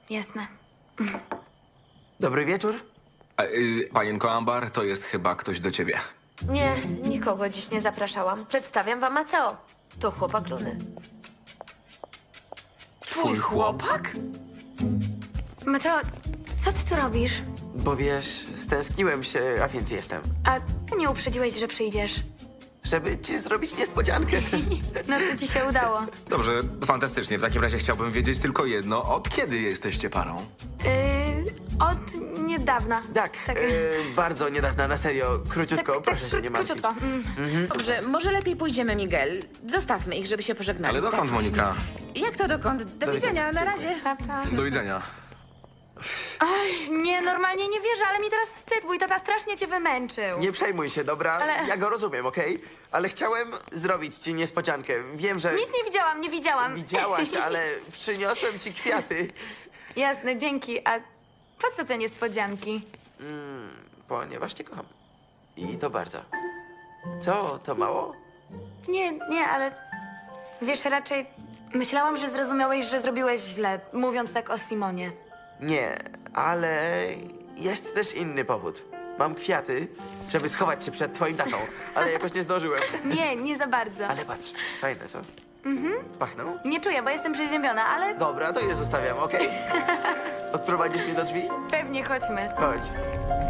Jasne. Dobry wieczór. Panienko Ambar, to jest chyba ktoś do ciebie. Nie, nikogo dziś nie zapraszałam. Przedstawiam wam Mateo. To chłopak Luny. Twój chłopak? Mateo, co ty tu robisz? Bo wiesz, stęskniłem się, a więc jestem. A nie uprzedziłeś, że przyjdziesz. Żeby ci zrobić niespodziankę. No to ci się udało. Dobrze, fantastycznie. W takim razie chciałbym wiedzieć tylko jedno. Od kiedy jesteście parą? Od niedawna. Tak, bardzo niedawna, na serio. Króciutko, proszę się nie martwić. Króciutko. Dobrze, może lepiej pójdziemy, Miguel. Zostawmy ich, żeby się pożegnali. Ale dokąd, Tak, Monika? właśnie. Jak to dokąd? Do widzenia, na razie. Papa. Do widzenia. Nie, normalnie nie wierzę, ale mi teraz wstyd. Mój tata strasznie cię wymęczył. Nie przejmuj się, dobra? Ale- Ja go rozumiem, okej? Ale chciałem zrobić ci niespodziankę. Wiem, że Nic nie widziałam. widziałaś, ale przyniosłem ci kwiaty. Jasne, dzięki. A po co te niespodzianki? Ponieważ cię kocham. I to bardzo. Co, to mało? Nie, ale wiesz, raczej myślałam, że zrozumiałeś, że zrobiłeś źle, mówiąc tak o Simonie. Nie, ale jest też inny powód. Mam kwiaty, żeby schować się przed twoim tatą, ale jakoś nie zdążyłem. Nie za bardzo. Ale patrz, fajne, co? Pachną? Nie czuję, bo jestem przeziębiona, ale Dobra, to je zostawiam, okej? Odprowadzisz mnie do drzwi? pewnie chodźmy. Chodź.